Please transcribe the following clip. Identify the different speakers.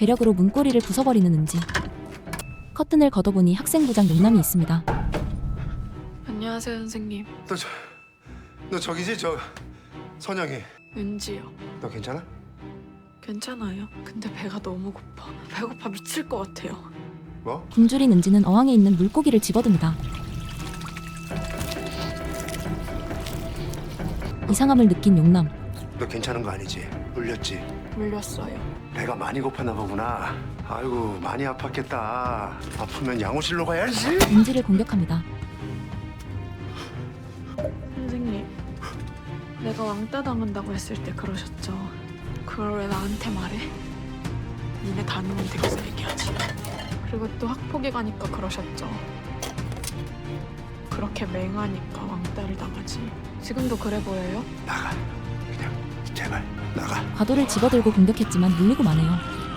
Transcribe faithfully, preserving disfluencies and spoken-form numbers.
Speaker 1: 괴력으로 문고리를 부숴버리는 은지. 커튼을 걷어보니 학생부장 용남이 있습니다.
Speaker 2: 안녕하세요, 선생님.
Speaker 3: 너 저, 너 저기지? 저 선영이.
Speaker 2: 은지요.
Speaker 3: 너 괜찮아?
Speaker 2: 괜찮아요. 근데 배가 너무 고파. 배고파 미칠 것 같아요.
Speaker 3: 뭐?
Speaker 1: 굶주린 은지는 어항에 있는 물고기를 집어듭니다. 이상함을 느낀 용남.
Speaker 3: 너 괜찮은 거 아니지? 물렸지?
Speaker 2: 물렸어요.
Speaker 3: 배가 많이 고팠나 보구나. 아이고 많이 아팠겠다. 아프면 양호실로 가야지.
Speaker 1: 은지를 공격합니다.
Speaker 2: 선생님, 내가 왕따 당한다고 했을 때 그러셨죠. 그걸 왜 나한테 말해? 니네 담임한테 얘기하지. 그리고 또 학폭위 가니까 그러셨죠. 그렇게 맹하니까 왕따를 당하지. 지금도 그래 보여요?
Speaker 3: 나가. 그냥 제발 나가.
Speaker 1: 과도를 집어들고 공격했지만 물리고 마네요.